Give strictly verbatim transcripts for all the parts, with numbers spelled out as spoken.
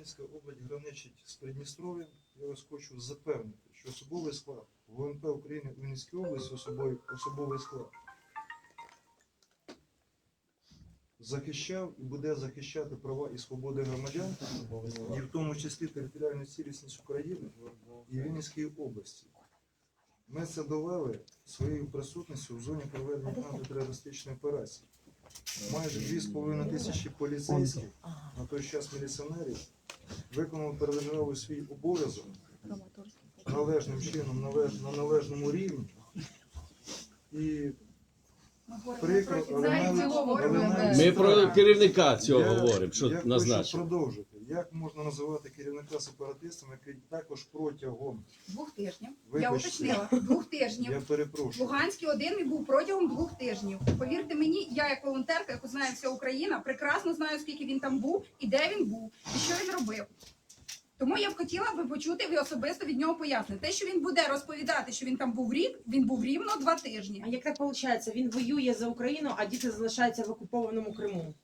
Вінницька область граничить з Придністров'ям. Я вас хочу запевнити, що особовий склад ВНП України у Вінницькій області, особовий, особовий склад, захищав і буде захищати права і свободи громадян, і в тому числі територіальну цілісність України і Вінницької області. Ми це довели своєю присутністю в зоні проведення антитерористичної операції. Майже дві з половиною тисячі поліцейських, на той час міліціонерів, виконали передержаву свій обов'язок належним чином, належ, на належному рівні. І прикро, але навіть, але навіть Ми про керівника цього я, говоримо, що я назначив. хочу продовжити. Як можна називати керівника сепаратистом, який також протягом Двох тижнів. Вибачте. Я уточнила. Двох тижнів. Я перепрошую. Луганський один і був протягом двох тижнів. Повірте мені, я як волонтерка, яку знає вся Україна, прекрасно знаю, скільки він там був і де він був, і що він робив. Тому я б хотіла би почути ви особисто від нього пояснення. Те, що він буде розповідати, що він там був рік, він був рівно два тижні. А як так виходить? Він воює за Україну, а діти залишаються в окупованому Криму.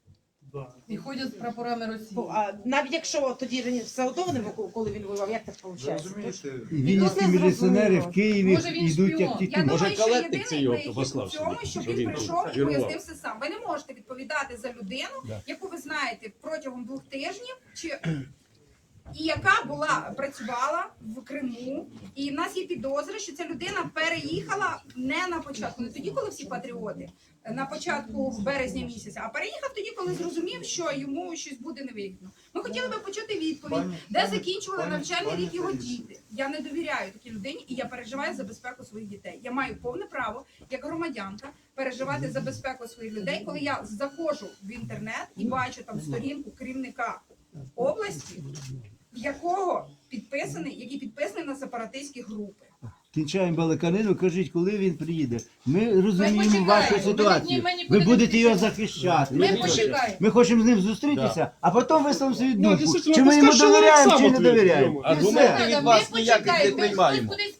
І ходять з прапорами Росії. Бо, а, навіть якщо тоді раніше все одно вони вику- коли він воював, як так Ви виходить? розумієте, Вінницькі міліціонери в Києві Може, він йдуть шпіон? як Я тільки Може, думаю, що Калетник це єдиний його вихід у послав цьому, сюди, щоб що він він прийшов тут і керував. пояснив все сам. Ви не можете відповідати за людину, Да. яку ви знаєте протягом двох тижнів, чи і яка була працювала в Криму. І в нас є підозри, що ця людина переїхала не на початку, не тоді, коли всі патріоти, на початку березня місяця, а переїхав тоді, коли зрозумів, що йому щось буде невигідно. Ми хотіли би почути відповідь, Пані- де пані- закінчували пані- навчальний пані рік його Таїсія. діти. Я не довіряю такій людині, і я переживаю за безпеку своїх дітей. Я маю повне право, як громадянка, переживати за безпеку своїх людей, коли я заходжу в інтернет і бачу там сторінку керівника області, якого підписаний, який підписаний на сепаратистські групи. кінчаємо балаканину, кажіть, коли він приїде. Ми розуміємо почекаємо. вашу Ми ситуацію. ні- ми нікуди Ви не будете його підемо. захищати. Ми Ви почекаємо. Ми хочемо з ним зустрітися, а потім висловимо свою Ну, думку. дійсно, Чи ми йому пускай довіряємо, сам чи не ответить довіряємо. йому. І все. Аргументи від вас Ми ніяких не почекаємо, приймаємо. хтось кудись